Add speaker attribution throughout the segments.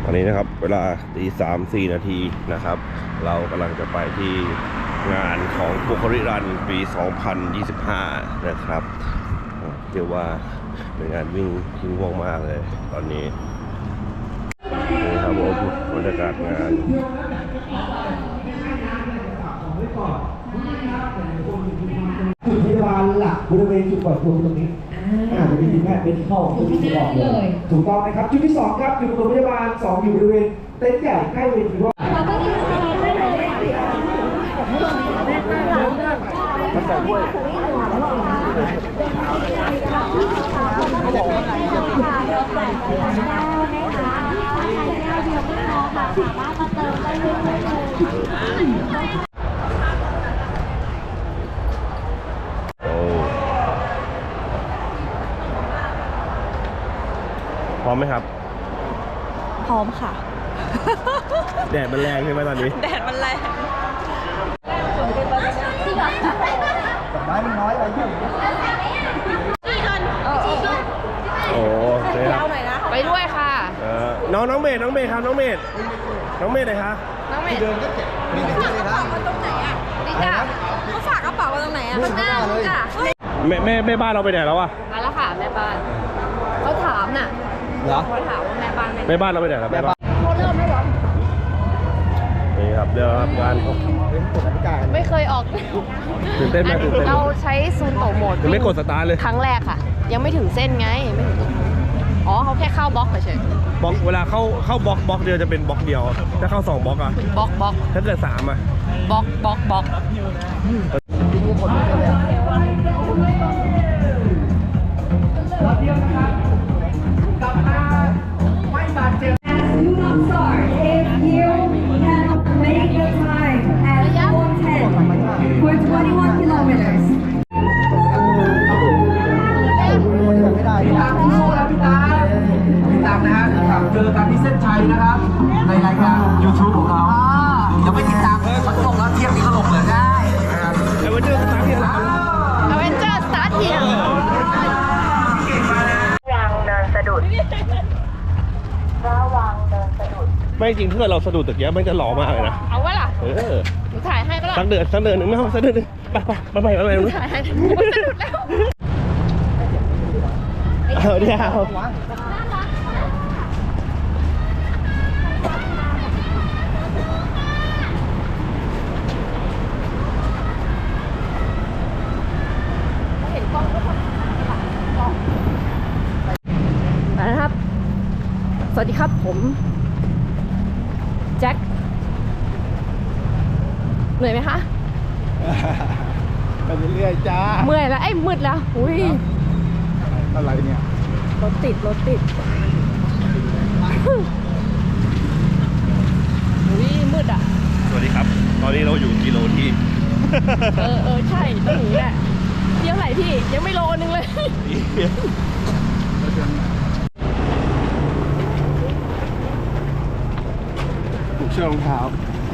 Speaker 1: ตอนนี้นะครับเวลาตี3-4 นาทีนะครับเรากำลังจะไปที่งานของบุคลิรันปี 2025 นะครับเรียกว่าเป็นงานวิ่งที่ว่องมากเลยตอนนี้นี่ครับผมบรรยากาศงาน
Speaker 2: จุดพยาบาลหลักบริเวณจุดปลอดภัยตรงนี้จะเป็นทีมแพทย์เป็นที่เข้าจุดที่2เลยถูกต้องนะครับจุดที่2ครับจุดปฐมพยาบาล2อยู่บริเวณเต็นท์ใหญ่ใกล้เวทีว่ามันใส่ด้วย
Speaker 1: พร้อมไหมครับ
Speaker 3: พร้อมค่ะ
Speaker 1: แดดมันแรงใช่ไหมตอนนี้
Speaker 3: แดดมันแรง
Speaker 2: ไม้มันน้อยไปเยอะ
Speaker 1: โอ้เลยครับ
Speaker 3: ไปด้วยค่ะ
Speaker 1: น้องเมธครับน้องเมธไหนคะ
Speaker 3: น้องเมย์
Speaker 2: เดินก็เจ็บมีแต่ที่เลยนะ
Speaker 3: ตรงไหนอ่ะดิจ้าเขาฝากกระเป๋าไว้ตรงไหนอ่ะข้างหน้าจ้ะ
Speaker 1: แม่บ้านเราไปไหนแล้ววะ
Speaker 3: มาแล้วค่ะแม่บ้านเขาถามน่ะ
Speaker 2: เหรอ
Speaker 3: เขาถามว่าแม่บ้าน
Speaker 1: แม่บ้านเราไปไหนแล้วแม่บ้าน
Speaker 3: เขาเริ่มไม่หรอ
Speaker 1: นี่ครับเดี๋ยวครับงาน
Speaker 2: เป็นกฎอธิการ
Speaker 3: ไม่เคยออก
Speaker 1: ตื่นเต้นไหมตื่นเต้น
Speaker 3: เราใช้ซูนโตโหมด
Speaker 1: ยังไม่กดสตาร์ทเลย
Speaker 3: ครั้งแรกค่ะ ยังไม่ถึงเส้นไงไม่ถึงอ๋อเขาแค่เข้าบล็อกเฉย
Speaker 1: บล็อกเวลาเข้าบล็อกเดียวจะเป็นบล็อกเดียว ถ้าเข้า2บล็อกอะ
Speaker 3: บล็อก
Speaker 1: ถ้าเกิด3อะ
Speaker 3: บล็อก
Speaker 4: Do not start if you cannot make the time at 1:10 for 21 kilometers.
Speaker 2: ไม่ได้พี่ตามสู้แล้วพี่ตามนะฮะกับเจอกันที่เส้นชัยนะครับในรายการ YouTube ของเราอย่าไปติดตามเขาลงแล้วเที่ยงนี้เขาลงเลยได้
Speaker 1: ไอ้วันเจอร์สตาร์ทที่ไหน
Speaker 3: อเวนเจอร์สตาร์ทเฮีย
Speaker 1: ไม่จริงถ้าเกิดเราสะดุดตะเกียบมันจะหล่อมากเลยนะ
Speaker 3: เอาวะล่ะ หนูถ่ายให้ปะล่ะ
Speaker 1: สักเดือนหนึ่งไม่เอาสักเดือนหนึ่งไป
Speaker 3: หนูถ่ายให้หนูสะดุดแล้ว
Speaker 1: เอาเดี๋ยว
Speaker 3: เห็นกล้องก็ทำนะครับ สวัสดีครับผมแจ็คเหนื่อยไหมคะ
Speaker 2: ไปเรื่อยๆจ้า
Speaker 3: เมื่อยแล้วมืดแล้วอุ้ย
Speaker 2: อะไรเนี่ย
Speaker 3: รถติดอุ้ยมืดอ่ะ
Speaker 1: สวัสดีครับ ตอนนี้เราอยู่กิโลที่
Speaker 3: ใช่ต้องหนีแหละเที่ยวไหนพี่ยังไม่โลนึงเลย
Speaker 2: ผูกเชือกรองเท้า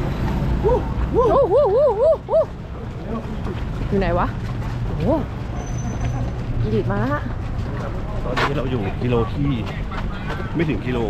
Speaker 3: อยู่ไหนวะโอ้อีดิดมาแล้วฮะ
Speaker 1: ตอนนี้เราอยู่กิโลที่ไม่ถึงกิโล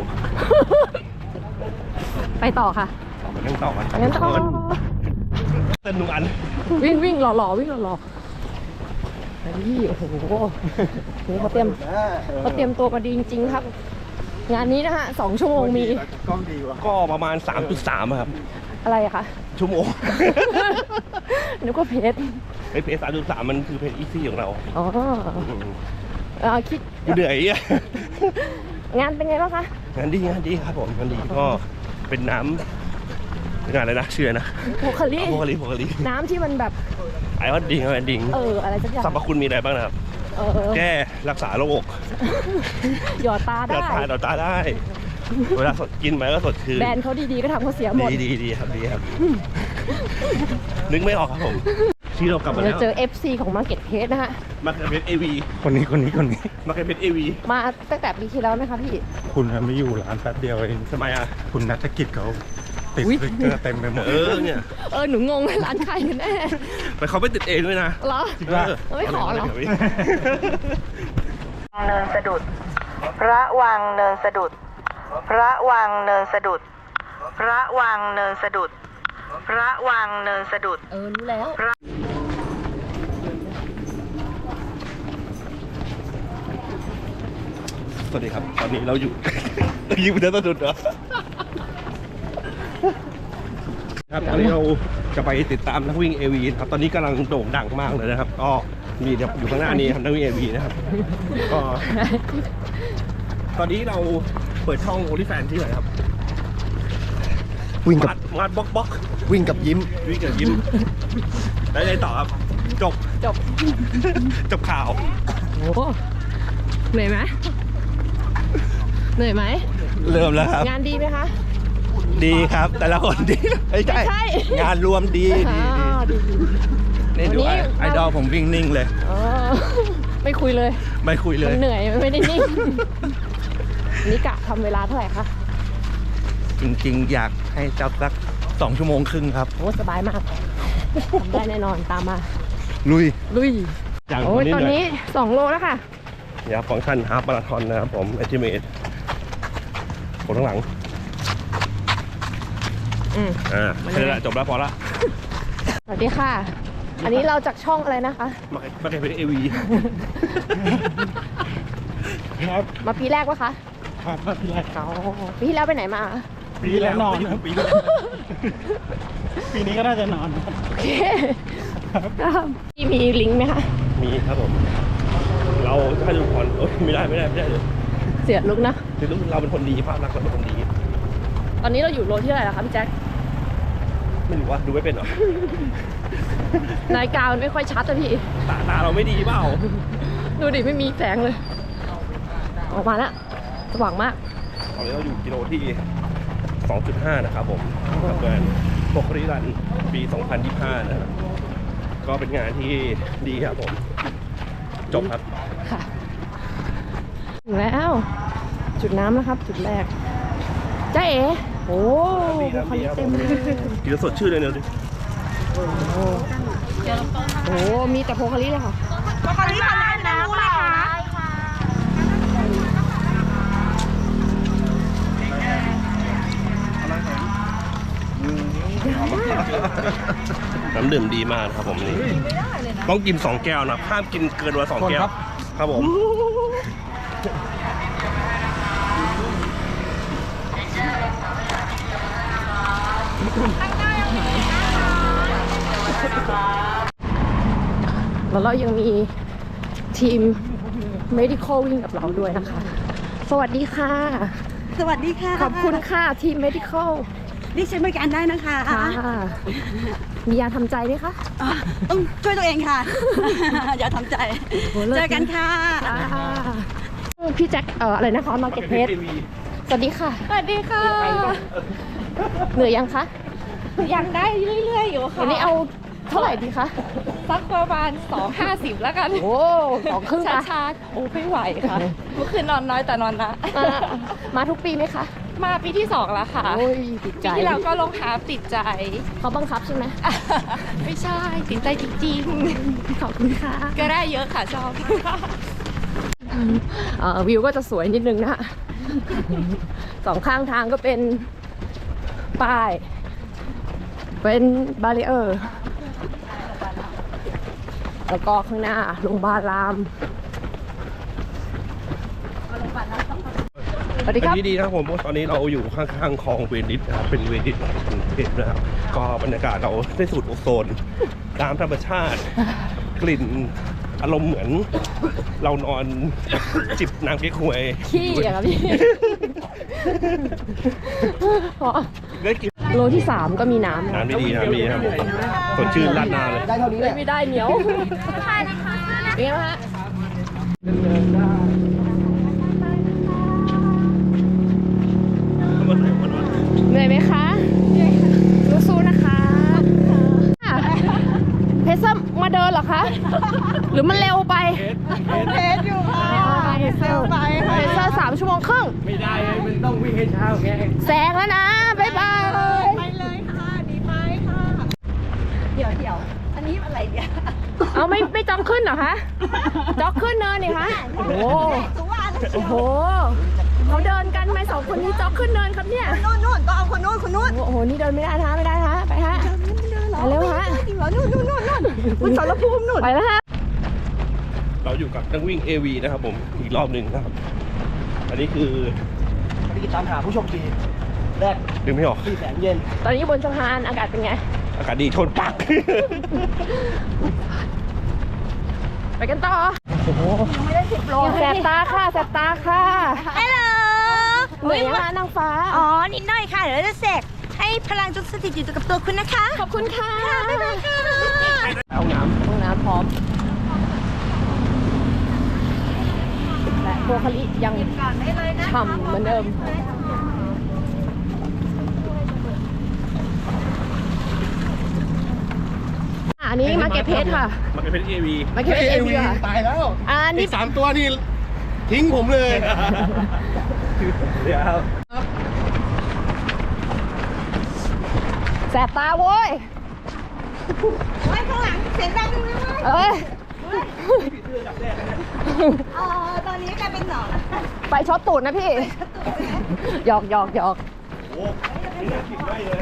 Speaker 3: ไปต่อค่ะ
Speaker 1: มานั่งต่อกัน
Speaker 3: งั้นต่อ
Speaker 1: เต้นหนุ่มอัน
Speaker 3: วิ่งหล่อวิ่งหล่อไอ้พี่โอ้โหนี่เขาเตรียมตัวมาดีจริงๆครับ งานนี้นะฮะ2 ชั่วโมงมี
Speaker 2: กล้องดีวะ
Speaker 1: ก็ประมาณ 3.3 ครับ
Speaker 3: อะไรอะคะ
Speaker 1: ชั่วโมง
Speaker 3: นึกว่าเพจ
Speaker 1: เพจ3.3 มันคือเพจอีซี่ของเรา
Speaker 3: อ๋อคิด
Speaker 1: กูเหนื่อยอ่ะ
Speaker 3: งานเป็นไงบ้างคะ
Speaker 1: งานดีครับผมงานดีก็เป็นน้ำงานอะไรนะชื่อนะ
Speaker 3: โพคารี
Speaker 1: โพคาลี
Speaker 3: น้ำที่มันแบบ
Speaker 1: ไอออนดิง
Speaker 3: อะไรสักอย่าง
Speaker 1: สรรพคุณมีอะไรบ้างนะครับ แก้รักษาโรค
Speaker 3: หยอดตา
Speaker 1: หยอ
Speaker 3: ได้
Speaker 1: ดตาได้ เวลาสดกินไปก็สดชื่น
Speaker 3: แบรนด์เขาดีๆก็ทำเขาเสียหมด
Speaker 1: ดีครับนึกไม่ออกครับผมที่เรากลับมา
Speaker 3: เรา
Speaker 1: แล้ว
Speaker 3: เจอ FC ของ Market Place นะฮะ
Speaker 1: มาร์เก็ตเพจเอวี
Speaker 5: คนนี้
Speaker 1: มาร์เก็ตเพจเอวี
Speaker 3: มาตั้งแต่ปีที่แล้วไหมคะพี่
Speaker 5: คุณไม่อยู่ร้านแป๊บเดียวเอง
Speaker 1: ทำไมอ่ะ
Speaker 5: คุณนัฐกิจเขาติด
Speaker 3: อุ๊ย
Speaker 5: สติ๊กเกอร์เต็มไปหมด
Speaker 1: เนี่ย
Speaker 3: หนูงงร้านใครกันแน่
Speaker 1: ไปเขาไปติดเองด้วยนะ
Speaker 3: เหรอ ไม่ขอเหรอ
Speaker 6: เนินสะดุด พระวังเนินสะดุดระวังเนินสะดุด ระวังเนินสะดุด ระวังเนินสะดุด
Speaker 3: รู้แล้ว
Speaker 1: สวัสดีครับ ตอนนี้เราอยู่ ยิงไปเดินสะดุดเหรอครับตอนนี้เราจะไปติดตามนักวิ่ง AV ครับตอนนี้กำลังโด่งดังมากเลยนะครับ ก็มีอยู่ข้างหน้านี้ครับนักวิ่ง AV นะครับก็ตอนนี้เราเปิดช่อง OnlyFans ที่ไหนครับ
Speaker 7: วิ่งกับ
Speaker 1: มาดบล็อก
Speaker 7: วิ่งกับยิ้ม
Speaker 1: วิ่งกับยิ้มแล้วไงต่อครับจบ จบข่าว
Speaker 3: โอ้เหนื่อยไหมเหนื่อยไหม
Speaker 1: เริ่มแล้วครับ
Speaker 3: งานดีไหมคะ
Speaker 1: ดีครับ แต่ละคนดีไม่ใช่
Speaker 3: ไม่ใช่
Speaker 1: งานรวมดี
Speaker 3: อ่าดี
Speaker 1: นี่ดู
Speaker 3: วันนี้
Speaker 1: ไอดอลผมวิ่งนิ่งเลย
Speaker 3: อ๋อไม่คุยเลย
Speaker 1: ไม่คุยเล
Speaker 3: มั
Speaker 1: ย
Speaker 3: นเหนื่อยมันไม่ได้นิ่งนี่กะทำเวลาเท่าไหร่คะ
Speaker 7: จริงๆ อยากให้จับสัก2 ชั่วโมงครึ่งครับ
Speaker 3: โอ้สบายมากทำได้แน่นอนตามมา
Speaker 7: ลุย
Speaker 3: ลุย
Speaker 1: อย่าง
Speaker 3: โอ้ยตอนนี้
Speaker 1: หย
Speaker 3: 2 โลแล้วค่ะ
Speaker 1: ยาฟังก์ชันฮาล์ฟมาราธอนนะครับผมเอจิเมตคนข้างหลัง
Speaker 3: อืม
Speaker 1: แค่นั้นแหละจบแล้วพอละ
Speaker 3: สวัสดีค่ะ อันนี้เราจากช่องอะไรนะคะ
Speaker 1: มาแค่เป็น AV
Speaker 5: ครับ
Speaker 3: มาปีแรกปะคะ
Speaker 5: ครับพี่ไร
Speaker 3: อ๋อปีที่แล้วไปไหนมา
Speaker 5: ปีแล้วนอนครับ ปีนี้ก็น่าจะนอนครับ
Speaker 3: โอเคพี่มีลิงก์ไหมคะ
Speaker 1: มีครับผม เราถ้าดูผ่อนโอ๊ยไม่ได้เลย
Speaker 3: เสียลุกนะ
Speaker 1: คือเราเป็นคนดีภาพลักษณ์เราเป็นคนดี
Speaker 3: ตอนนี้เราอยู่โลที่เท่าไหร่แล้วคะพี่แจ็ค
Speaker 1: ไม่รู้ว่าดูไม่เป็นหรอ
Speaker 3: นาฬิกามันไม่ค่อยชัดอะพี่
Speaker 1: ตาเราไม่ดีเปล่า
Speaker 3: ดูดิไม่มีแสงเลย ออกมาแล้วสว่างมาก
Speaker 1: ตอนนี้เราอยู่กิโลที่ 2.5 นะครับผมกับงานโปรคริรันปี 2025 นะครับก็เป็นงานที่ดีครับผม จบครับ
Speaker 3: ค่ะถึงแล้ว จุดน้ำนะครับ จุดแรกจ้าเอ๋โอ้โหคนนี้เต็มเลย
Speaker 1: กินแล้วสดชื่นเลยเนี่ยดิ
Speaker 3: โอ้โหมีแต่โพคาริเลยค่ะโพคาริค่ะน้ำเปล่า
Speaker 1: น้ำดื่มดีมากครับผมนี่ต้องกิน 2 แก้วนะห้ามกินเกินวันละ2 แก้ว ครับผม
Speaker 3: แล้วเรายังมีทีม medical วิ่งกับเราด้วยนะคะ สวัสดีค่ะ
Speaker 8: สวัสดีค่ะ
Speaker 3: ขอบคุณค่ะทีม medical
Speaker 8: นี่ใช้บริการได้นะคะ
Speaker 3: ค่ะ มียาทำใจไหมคะ
Speaker 8: อ่ะต้องช่วยตัวเองค่ะ อย่าทำใจ
Speaker 3: โหเลิศ
Speaker 8: เจอกันค่ะ
Speaker 3: พี่แจ็คอะไรนะคะมาเก็ตเพชรสวัสดีค่ะ
Speaker 8: สวัสดีค่ะ
Speaker 3: เหนื่อยยังคะ
Speaker 8: ยังได้เรื่อยๆอยู่ค่ะ
Speaker 3: วันนี้เอาเท่าไหร่ดีคะ
Speaker 8: สักประมาณ2.50แล้วกัน
Speaker 3: โอ้2 ครึ่ง
Speaker 8: ช้าๆโอ้ไม่ไหวค่ะ เมื่อคืนนอนน้อยแต่นอนนะ
Speaker 3: มาทุกปีไหมคะ
Speaker 8: มาปีที่ 2 แล้วค่ะ
Speaker 3: โอ้ยติดใจ
Speaker 8: ปีที่แล้วก็ลงหาติดใจ
Speaker 3: เขาบังคับใช่ไหม
Speaker 8: ไม่ใช่ ติดใจจริง
Speaker 3: ขอบคุณค่ะ
Speaker 8: ๆ ก็ได้เยอะค่ะชอบ
Speaker 3: วิวก็จะสวยนิดนึงนะ สองข้างทางก็เป็นป้าย เป็นบารีเออร์ แล้วก็ข้างหน้าโรงพยาบาลราม สวัสดีครับ
Speaker 1: อันนี้ดีนะครับผมเพราะตอนนี้เราอยู่ข้างๆคลองเวนิสนะครับเป็นเวนิสของกรุงเทพนะครับ ก็บรรยากาศเราได้สูดโอโซนตามธรรมชาติ กลิ่นอารมณ์เหมือนเรานอนจิบน้ำเก๊กฮวย
Speaker 3: ขี้อะครับพี่ พอ
Speaker 1: ได้กิน
Speaker 3: โลที่ 3 ก็มีน้ำ
Speaker 1: น้ำไม่ดีน้ำไม่ดีครับผมสดชื่นราดหน้าเลย
Speaker 2: ได้เท่านี้แหละ
Speaker 3: ไม่ได้เหนียวเป็นไงบ้างฮะเหนื่อยไหมคะสู้ๆนะคะเพชรมาเดินเหรอคะ หรือมันเร็วไปเพชรอยู่ค่ะเพชรเร็ว3 ชั่วโมงครึ่งไม่ได้มันต้องวิ่งให้เช้าแกแซงแล้วนะ บ๊ายบาย
Speaker 8: ไปเลยค่ะ ดีไปค่ะ เดี๋ยว อันนี้อะไรเนี่ย
Speaker 3: เอาไม่จ็อกขึ้นเหรอคะจ็อกขึ้นเนินนี่คะโอ้โหโอ้โหเขาเดินกันไหมสองคนนี้จ๊อกขึ้นเนินครับเนี่ย
Speaker 8: นู่นต้องเอาคนนู้น
Speaker 3: โอ้โห นี่เดินไม่ได้ฮะ ไม่ได้ฮะ ไปฮะ ไปเร็วฮะ
Speaker 8: จริงเหรอนู่นคุณสารภูมินู่น
Speaker 3: ไปแล้วฮะ
Speaker 1: เราอยู่กับนักวิ่ง AV นะครับผมอีกรอบหนึ่งนะครับ อันนี้คือ
Speaker 5: พี่ตามหาผู้โชคดีแรก
Speaker 1: ดึงไม่ออก
Speaker 5: ที่แสนเย็น
Speaker 3: ตอนนี้บนสะพานอากาศเป็นไง
Speaker 1: อากาศดีชนปัก
Speaker 3: ไปกันต่อยังไม่ได้10 โลแสบตาค่ะแสบตาค่ะ
Speaker 8: ฮัลโหล
Speaker 3: เหนื่อยยังคะนางฟ้า
Speaker 8: อ๋อ นิดหน่อยค่ะ เดี๋ยวเราจะเสกให้พลังจุดสถิตอยู่กับตัวคุณนะคะ
Speaker 3: ขอบคุณค่ะ
Speaker 8: บ๊ายบายค่ะ
Speaker 1: เอาน้ำ
Speaker 3: ห้องน้ำพร้อม และโบคาลิยังฉ่ำเหมือนเดิม อันนี้มาเก็ตเพชค่ะ
Speaker 1: มาเป็น AV
Speaker 3: มาเก็ตเพชเอวีค่ะ
Speaker 5: ตายแล้ว
Speaker 3: นี่
Speaker 5: อีก3 ตัวนี่ทิ้งผมเลย
Speaker 1: เดี๋ยว
Speaker 3: แสบตาโว้ย
Speaker 8: ไว้ข้างหลังเสียงดังจังเลย
Speaker 3: เอ้ย
Speaker 8: ตอนนี้กลายเป็นหนอน
Speaker 3: ไปช็อตตูดนะพี่ หยอกหยอกหยอก
Speaker 1: โอ้นี่น่ากินได้เลย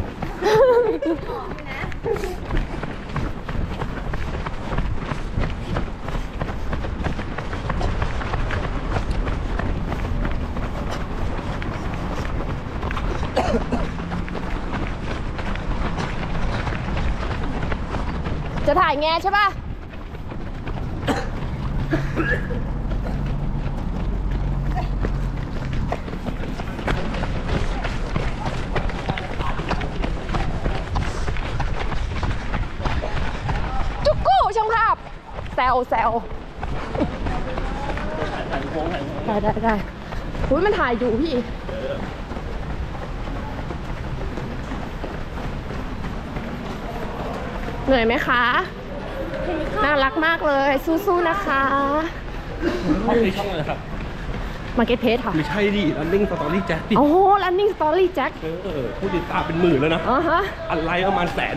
Speaker 3: จะถ่ายแงใช่ป่ะ จุกกู้ช่างภาพแซวแซวได้อุ้ยมันถ่ายอยู่พี่ เหนื่อยไหมคะ น่ารักมากเลย สู้ๆนะคะ
Speaker 1: ช่องอะไรครับ
Speaker 3: มาเก็ตเพจค่ะ
Speaker 1: ไม่ใช่ดิ Running Story Jack ดิ
Speaker 3: โอ้โห running story Jack
Speaker 1: ผู้ติดตามเป็นหมื่นแล้วนะ
Speaker 3: อ๋อฮะ
Speaker 1: อะไรประมาณ100,000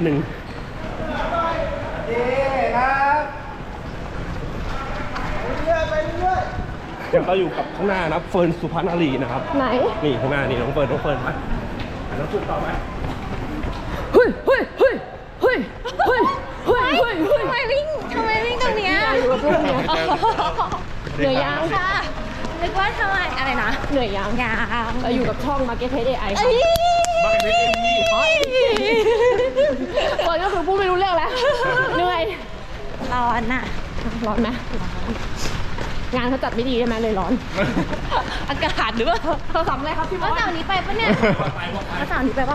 Speaker 1: อย่างเราอยู่กับข้างหน้านะเฟิร์นสุพรรณอารีนะครับ
Speaker 3: ไหน
Speaker 1: นี่ข้างหน้านี่น้องเฟิร์นไปแล้วสุดต่อไหม
Speaker 3: เฮ้ยเฮ้ยเฮ้ยเฮ้ยเฮ้ยเฮ้ยเฮ้ยเฮ้ย
Speaker 8: ทำไมวิ่งตรงเนี้ย
Speaker 3: อยู่กับลูกเนี่ยเหนื่อยยัง
Speaker 8: ค่ะนึกว่าทำไมอะไรนะ
Speaker 3: เหนื่อยยัง
Speaker 8: ยาง
Speaker 3: เราอยู่กับช่อง Market Page AI ค่ะ
Speaker 1: บ้านเป็น AV
Speaker 3: เฟิร์นก็คือพูดไม่รู้เรื่องแล้ว เหนื่อย
Speaker 8: ร้อนน่ะ
Speaker 3: ร้อนไหมงานเขาจัดไม่ดีใช่ไหมเลยร้อน
Speaker 8: อากาศหรือเปล่า
Speaker 3: สำอะไรครับพี่บอส
Speaker 8: เสาร์นี้ไปปะเนี่ยเสาร์นี้ไปปะ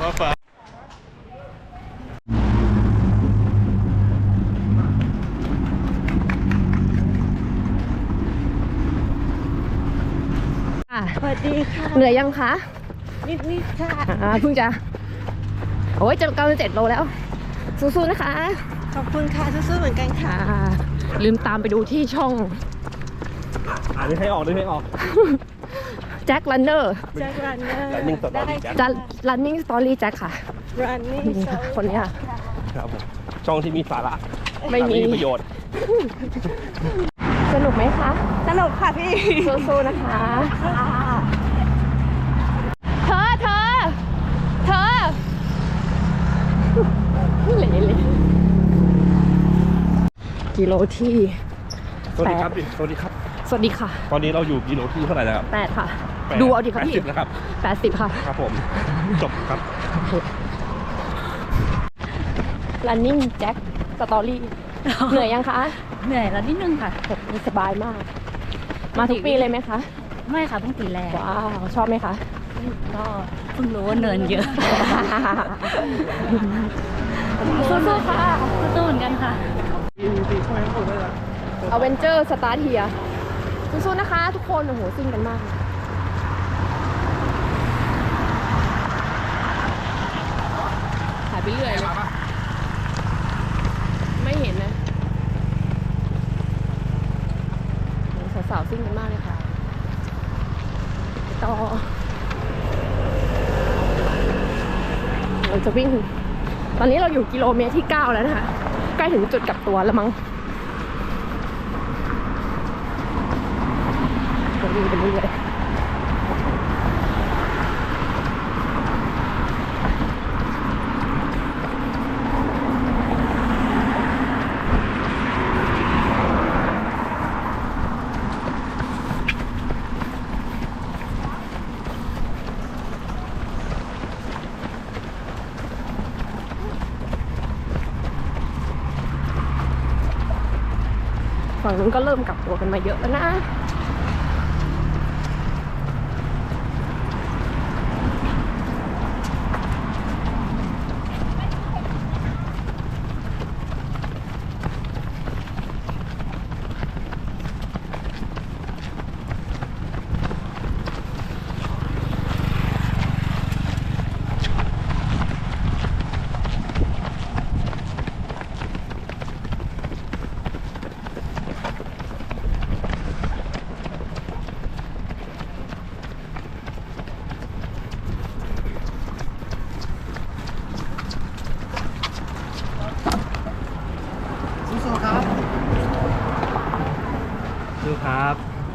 Speaker 3: สวัสดีค่ะ เหนื่อยยังคะ
Speaker 8: นิดค่ะ
Speaker 3: เพิ่งจะ โอ้ยจะ97 โลแล้ว สู้ๆนะคะ
Speaker 8: ขอบคุณค่ะสู้ๆเหมือนกันค่ะ
Speaker 3: ลืมตามไปดูที่ช่อง
Speaker 1: อ่านให้ออกด้วยให้ออก
Speaker 3: แจ็คลันเนอร์
Speaker 8: จากรันเนอร์
Speaker 1: Running Story Jack
Speaker 3: จะ running story แจ็คค่ะ
Speaker 8: รันนี่
Speaker 3: นี่ค่ะคนนี้ค่ะ
Speaker 1: ครับผมช่องที่มีสาระ
Speaker 3: ไม่มี
Speaker 1: ประโยชน์
Speaker 3: สนุกไหมคะ
Speaker 8: สนุกค่ะพี่
Speaker 3: สู้ๆนะคะ เธอเลยกิโลที่
Speaker 1: สวัสดีครับสวัสดีครับ
Speaker 3: สวัสดีค่ะ
Speaker 1: ตอนนี้เราอยู่กิโลที่เท่าไหร่แล้วครับ
Speaker 3: 8 ค่ะ ดูเอาดิครับพี่
Speaker 1: 80นะครับ
Speaker 3: 80 ค่ะ
Speaker 1: ครับผมจบครับ
Speaker 3: running jack story เหนื่อยยังคะ
Speaker 9: เหนื่อยแล้วนิดนึงค่ะ
Speaker 3: สบายมาก มาทุกปีเลยไหมคะ
Speaker 9: ไม่ค่ะเพิ่งปีแรก
Speaker 3: ว้าว ชอบไหมคะ
Speaker 9: ก็เพิ่งรู้ว่าเนินเยอะ
Speaker 3: สู้ๆค่ะ
Speaker 9: สู้เหมือนกันค่ะ
Speaker 3: อเวนเจอร์สตาร์ทเฮียสู้ๆนะคะทุกคน โอ้โหซิ่งกันมาก ถ่ายไปเรื่อยเลยไม่เห็นนะโอ้โหสาวๆซิ่งกันมากเลยค่ะต่อเราจะวิ่ง ตอนนี้เราอยู่กิโลเมตรที่ 9 แล้วนะคะ ใกล้ถึงจุดกลับตัวแล้วมั้งวิ่งไปเรื่อยฝั่งนู้นก็เริ่มกลับตัวกันมาเยอะแล้วนะ
Speaker 5: สู้ๆครับ
Speaker 7: ดูครับ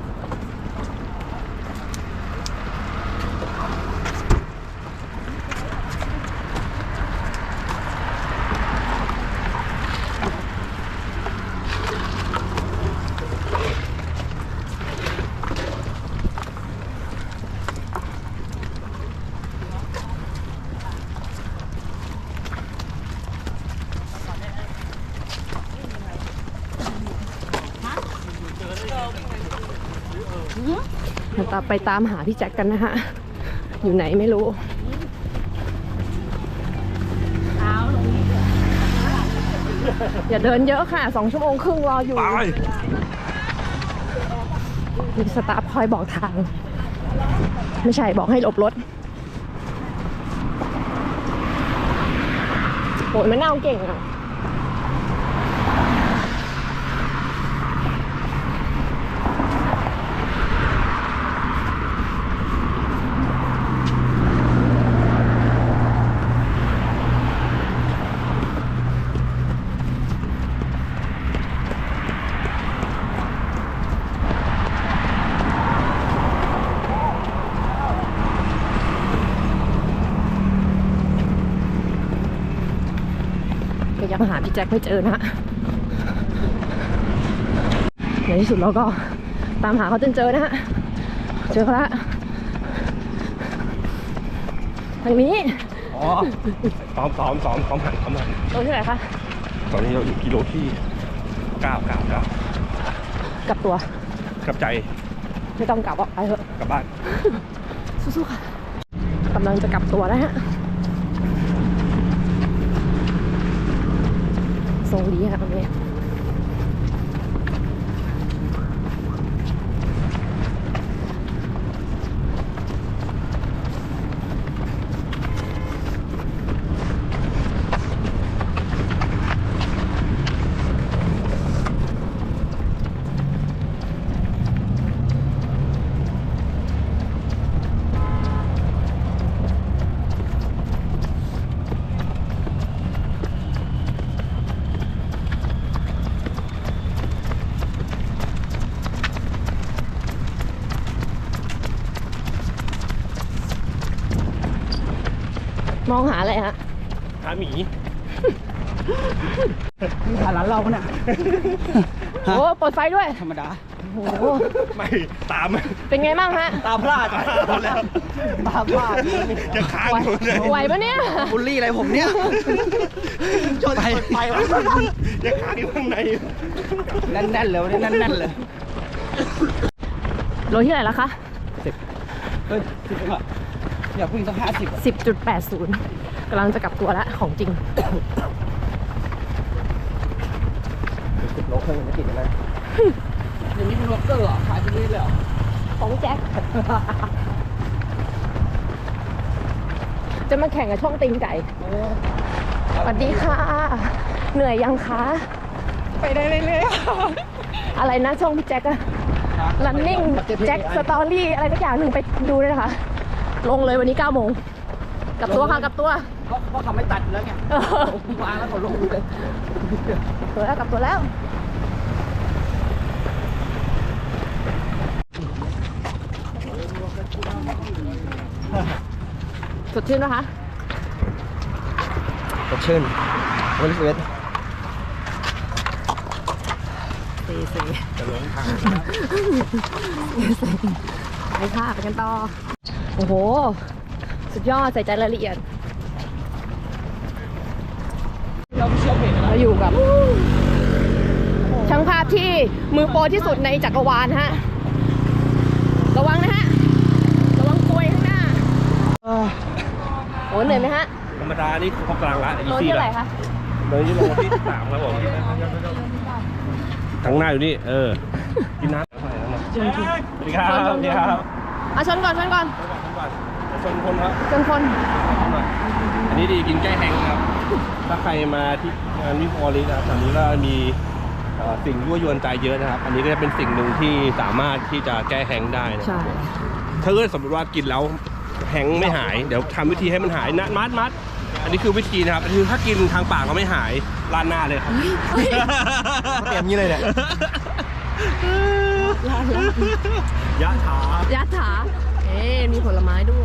Speaker 3: เราไปตามหาพี่แจ็คกันนะฮะ อยู่ไหนไม่รู้ อย่าเดินเยอะค่ะ 2 ชั่วโมงครึ่งรออยู่ มีสตาฟคอยบอกทาง ไม่ใช่บอกให้หลบรถโอ้ยมันน่าเก่งอ่ะ ก็ยังหาพี่แจ็คไม่เจอนะฮะในที่สุดเราก็ตามหาเขาจนเจอนะฮะ เจอเขาละทางนี้
Speaker 1: อ๋อซ้อมหัน
Speaker 3: ตรงที่ไหนคะ
Speaker 1: ตอนนี้เราอยู่กิโลที่9
Speaker 3: กลับตัว
Speaker 1: กับใจ
Speaker 3: ไม่ต้องกลับออกไปเถอะ
Speaker 1: กลับบ้าน
Speaker 3: สู้ๆค่ะกำลังจะกลับตัวแล้วฮะทรงดีค่ะตรงนี้มองหาอะไรฮะ
Speaker 1: หาหมี
Speaker 5: มีผ่านร้านเราปะเนี่ย
Speaker 3: โอ้เปิดไฟด้วย
Speaker 5: ธรรมดา
Speaker 3: โอ้โห
Speaker 1: ไม่ตาม
Speaker 3: เป็นไงบ้างฮะ
Speaker 5: ตาพลาดแล้วตาพลาด
Speaker 1: จะค้างอยู่เลย
Speaker 3: ไหวปะเนี่ย
Speaker 5: บูลลี่อะไรผมเนี่ยชนไปวะ
Speaker 1: จะค้างอยู่ข้างใน
Speaker 5: แน่นๆเลยวันนี้แน่นๆเลย
Speaker 3: โลที่ไหนแล้วคะ
Speaker 5: เฮ้ย10เองอะอยากวิ่งสัก50
Speaker 3: 10.80 กำลังจะกลับตัวแล้วของจริง
Speaker 5: 10 โลครึ่งจะกินอะไรอย่างนี้เป็นวอล์กเกอร์เหรอขายที่นี่เลยเหรอ
Speaker 3: ของแจ็ค จะมาแข่งกับช่องตีนไก่ สวัสดีค่ะ เหนื่อยยังคะ
Speaker 8: ไปได้เรื่อย
Speaker 3: อะไรนะช่องพี่แจ็คอะ running แจ็คสตอรี่อะไรสักอย่างหนึ่งไปดูเลยนะคะ ลงเลยวันนี้ 9 โมง กลับตัวค่ะกลับตัว
Speaker 5: เพราะเขาไม่ตัดอยู่แล้วไงวางแล้วเขาลงเลย
Speaker 3: ตัวแล้วกลับตัวแล้ว สดชื่นนะคะ
Speaker 5: สดชื่นวันนี้11
Speaker 3: เซไปค่ะไปกันต่อ โอ้โห สุดยอดใส่ใจรายละเอียด
Speaker 5: เราไม่เชื่อเพจอะไร
Speaker 3: เราอยู่กับช่างางภาพที่มือโปรที่สุดในจักรวาลฮะ ระวังนะฮะ ระวังกลวยข้างหน้า โอ้เหนื่อยไหมฮะ
Speaker 1: ธรรมดานี่พอกลางละ
Speaker 3: โลที่เท่าไหร่คะ
Speaker 1: โลที่3ครับผมข้างหน้าอยู่นี่กินน้ำสวัสดีครับสวัสดีครับ
Speaker 3: ชนก่อน
Speaker 1: ชนคนครับ
Speaker 3: ชนคน
Speaker 1: อันนี้ดีกินแก้แห้งครับ ถ้าใครมาที่งานวิพอลิสนะครับอันนี้ก็มีสิ่งยั่วยวนใจเยอะนะครับ อันนี้ก็จะเป็นสิ่งหนึ่งที่สามารถที่จะแก้แห้งได้นะ
Speaker 3: ใช่
Speaker 1: ถ้าเกิดสมมติว่ากินแล้วแห้งไม่หายเดี๋ยวทำวิธีให้มันหายนะมัดอันนี้คือวิธีนะครับคือถ้ากินทางปากเราไม่หายลาดหน้าเลยครับเตรียมนี้เลยเนี่ยยะถา
Speaker 3: มีผลไม้ด้วย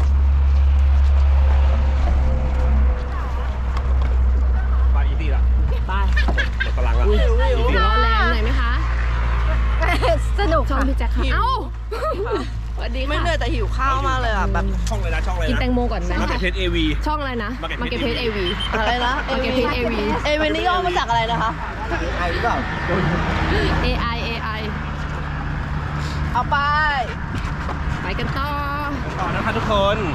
Speaker 1: ไปอีซี่ละ
Speaker 3: ไป
Speaker 1: หมดพลังละ
Speaker 3: ร้อนแรงหน่อยไหมคะ
Speaker 8: สนุก
Speaker 3: ช่อง
Speaker 8: ค่ะ
Speaker 3: พี่แจ็คค่ะเอ้าสวัสดีค่ะ
Speaker 8: ไม่เหนื่อยแต่หิวข้าวมากเลยอ่ะแบบ
Speaker 1: ช่องอะไรนะ
Speaker 3: กินแตงโมก่อนไหม
Speaker 1: มาเก็ตเพจAV
Speaker 3: ช่องอะไรนะ มาเก็ตเพจ AV
Speaker 8: อะไรนะ
Speaker 3: มาเก็ตเพจ AV
Speaker 8: เอเวนนี่ย่อมาจากอะไรนะคะ
Speaker 3: AI
Speaker 8: เอาไป
Speaker 3: ไปกันต่อ
Speaker 1: ต่อนะครับทุกคน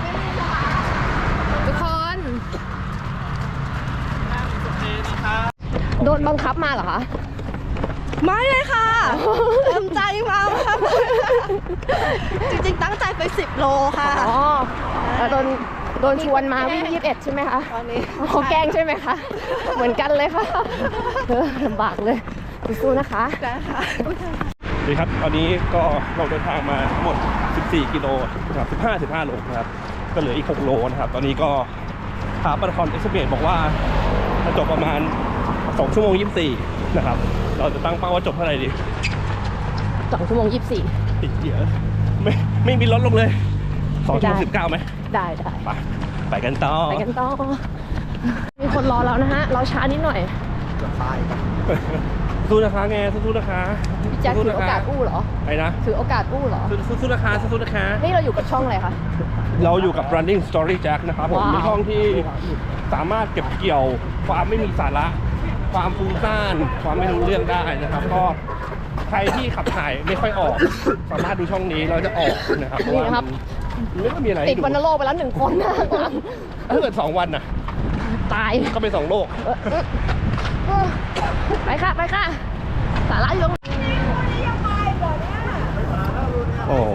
Speaker 3: โดนบังคับมาเหรอคะ
Speaker 8: ไม่เลยค่ะเต็มใจมาค่ะจริงๆตั้งใจไป10 โลค่ะ
Speaker 3: อ๋อแล้วโดนชวนมาวิ่ง21ใช่ไหมคะ
Speaker 8: ตอนนี้
Speaker 3: เขาแกล้งใช่ไหมคะ เหมือนกันเลยค่ะลำบากเลยสู้ๆนะคะ
Speaker 8: ได้ค่ะ
Speaker 1: ดีครับตอนนี้ก็เราเดินทางมาทั้งหมด14กิโลนะครับ15โลนะครับก็เหลืออีก6โลนะครับตอนนี้ก็ขาปาราธอนเอ็กซ์เพรสบอกว่าจะจบประมาณ2ชั่วโมง24นะครับเราจะตั้งเป้าว่าจบเท่าไหร่ดี
Speaker 3: 2 ชั่วโมง 24
Speaker 1: ติดเยอะไม่มีลดลงเลย2ชั่วโมง19ไหม
Speaker 3: ได้
Speaker 1: ไปกันต่อ
Speaker 3: มีคนรอแล้วนะฮะ เราช้านิดหน่อย
Speaker 1: สู้นะคะไงสู้นะคะ
Speaker 3: พี่แจ็คถือโอกาสอู้เหรอ
Speaker 1: ไอ้นะ
Speaker 3: ถือโอกาสอู้เหรอ
Speaker 1: สู้นะคะสู้นะคะ
Speaker 3: นี่เราอยู่กับช่องอะไรคะ
Speaker 1: เราอยู่กับ running story jack นะครับผม
Speaker 3: ว้าว
Speaker 1: เป็นช่องที่สามารถเก็บเกี่ยวความไม่มีสาระ ความฟุ้งซ่านความไม่รู้เรื่องได้นะครับก็ใครที่ขับถ่ายไม่ค่อยออก สามารถดูช่องนี้เราจะออกนะครับเพราะว่ามันไม่ค่อยมีอะไร
Speaker 3: ติ
Speaker 1: ให้
Speaker 3: ด
Speaker 1: ดู
Speaker 3: วัณโรคไปแล้ว1 คนนะ
Speaker 1: ถ้าเกิด2 วันน่ะ
Speaker 3: ตาย
Speaker 1: ก็เป็น2 โลก
Speaker 3: ไปค่ะ สาระอยู่ตรงนี้
Speaker 1: โอ้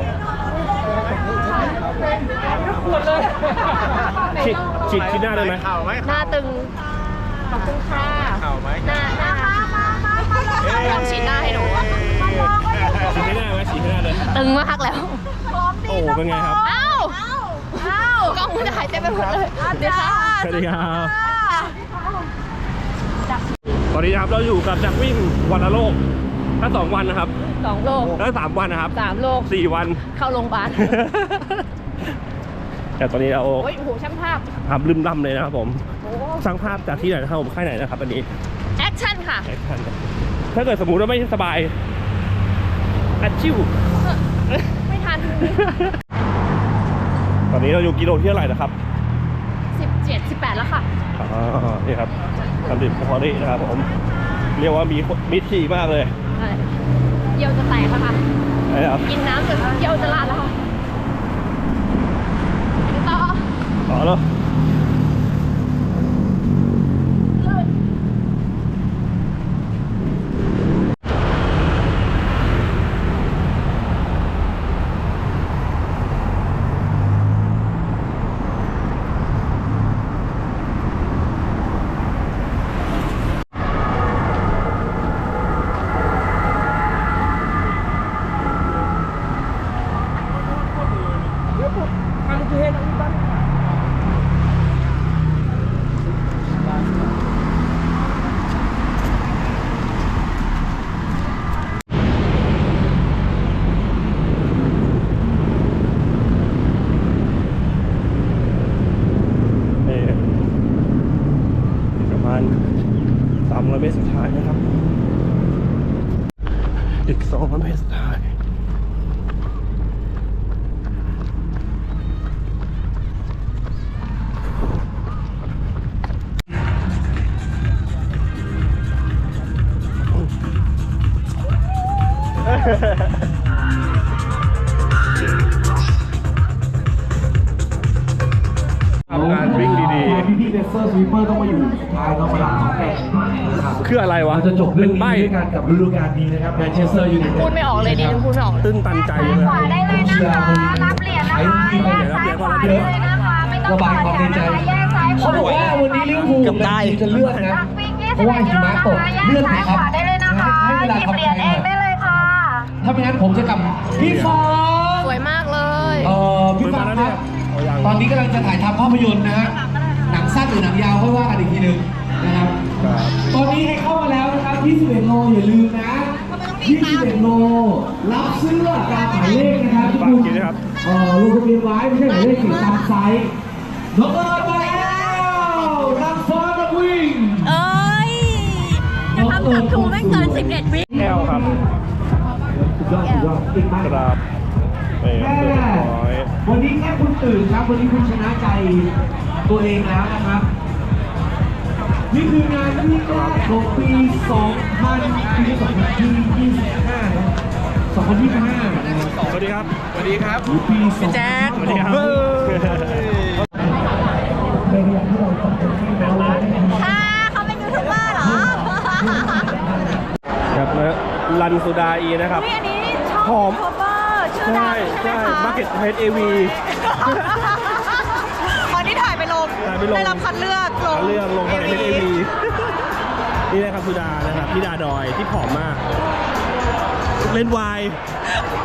Speaker 1: ฉีดหน้าได้ไหม
Speaker 3: หน้าตึง ขอบคุณค่ะหน้าลองฉีดหน้าให้หนู
Speaker 1: ฉีดให้หน้าไหมฉีดให้หน้าเลย
Speaker 3: ตึงมากแล้ว
Speaker 1: โอ้เป็นไงครับ
Speaker 3: อ้าวกล้องมันจะหายเต็มไปหมดเลยเดี๋ยวค่ะ
Speaker 1: สวัสดีครับตอนนี้นะครับเราอยู่กับจักรวิ่งวันละโลกถ้า2 วันนะครับ
Speaker 3: 2 โล
Speaker 1: ถ้า3 วันนะครับ
Speaker 3: 3 โล
Speaker 1: 4 วัน
Speaker 3: เข้าโรงพยาบาล
Speaker 1: แต่ตอนนี้เรา
Speaker 3: โอ้ยโอ้โหช่างภาพ
Speaker 1: ทำลืมล่ำเลยนะครับผม
Speaker 3: โอ้
Speaker 1: สร้างภาพจากที่ไหนนะครับผมค่ายไหนนะครับอันนี้
Speaker 3: แอคชั่นค่ะ
Speaker 1: ถ้าเกิดสมมุติว่าไม่สบายอัดชิว
Speaker 3: ไม่ทัน
Speaker 1: ตอนนี้เราอยู่กิโลที่เท่าไหร่นะครับ
Speaker 3: 17 18 แล้วค่ะ
Speaker 1: อ๋อนี่ครับทำดื่มพอดีนะครับผมเรียกว่ามีถี่มากเลย
Speaker 3: ใช่เยี่ยวจะแตกแล้วค่ะ
Speaker 1: ไอ้ครับ
Speaker 3: กินน้ำจนเยี่ยวจะลาดแล้วค่ะต่อ
Speaker 1: ต่อแล้วประมาณ300 เมตรสุดท้ายนะครับอีก200 เมตรสุดท้าย
Speaker 2: พี่ๆเบสเซอร์สวีปเปอร์ต้องมาอยู่สุดท้ายต้องมารับของแข่งนะครับ
Speaker 1: คืออะไรวะ
Speaker 2: เราจะจบเรื่องนี้
Speaker 1: เป็นใบ้
Speaker 2: ด้วยกันกับฤดูกาลนี้นะครับแมนเชสเตอร์ยูไนเต็ด
Speaker 3: พูดไม่ออกเลยดิพูดไม่ออกเลย
Speaker 1: ตื้นตันใจเลย
Speaker 6: ได้เลยนะคะรับเหรียญนะคะแยกซ้ายขวาได้เลยนะคะไม่ต้อง
Speaker 2: ระบายความในใจ
Speaker 6: แยกซ้ายข
Speaker 2: เขา
Speaker 6: วา
Speaker 2: บอกว่าวันนี้ลิเวอร์พูลจะเลือกนะ
Speaker 6: วิ่ง
Speaker 2: เพราะว่าหิมะตก
Speaker 6: แย
Speaker 2: เลื
Speaker 6: ก
Speaker 2: อก
Speaker 6: ซ้าย
Speaker 2: นะ
Speaker 6: ข
Speaker 2: ครับ
Speaker 6: วาได้เลยนะคะ
Speaker 2: ให้เวลา
Speaker 6: หยิบ
Speaker 2: ทำ
Speaker 6: เหรียญเองได้เลยค่ะ
Speaker 2: ถ้าไม่งั้นผมจะกลับพี่ฟอ
Speaker 3: สวยมากเลย
Speaker 2: พี่ฟอครับตอนนี้กำลังจะถ่ายทำภาพยนตร์นะฮะหนังสั้นหรือหนังยาวค่อยว่ากันอีกทีหนึ่งนะครับ ตอนนี้ให้เข้ามาแล้วนะครับ21โลอย่าลืมนะ21โลรับเสื้อตามหมายเลขนะครับทุกคนลงทะเบียนไว้ไม่ใช่หมายเลขตามไซส์น้องเอิร์ธมาแล้วนางฟ้านักวิ่ง
Speaker 9: เอ้ยจะทำสับถูไม่เกิน 11 วิ
Speaker 1: แก้วครับ
Speaker 2: สุดยอดสุดยอดเก่งมาก
Speaker 1: ครับเรียบร้อย
Speaker 2: วันนี้แค่คุณตื่นครับวันนี้คุณชนะใจตัวเองแล้วนะครับ นี่คืองานที่แรกของปี 2025 นะ2025 นะครับ
Speaker 1: สวัสดีครับ
Speaker 7: สวัสดีครับ
Speaker 2: หรือปี
Speaker 7: พี่แจ๊ค
Speaker 1: สวัสดีครับ
Speaker 2: ในเรื่องที่เราต้องเป็นที่แล้วนะ
Speaker 8: เขาเป็นยูทูบเบอร์เหรอ
Speaker 1: ครับแล้วรันสุดาอีนะครับ
Speaker 8: อันนี้ช่อง
Speaker 1: หอม
Speaker 8: ยูทูบเบอร์ชื่อดั
Speaker 1: ใช่
Speaker 8: งใช่
Speaker 1: ใช่
Speaker 8: ไหมคะ
Speaker 1: มาร์เก็ตเพจเอวี
Speaker 8: วันนี้ถ่ายไปลง
Speaker 1: ถ่ายไปลง
Speaker 8: ได้รับคัดเลือกลง
Speaker 1: เรื่องลงมาเพจเอ
Speaker 8: AV
Speaker 1: วีนี่นะครับสุดานะครับพี่ดาดอยที่ผอมมาก เล่นวาย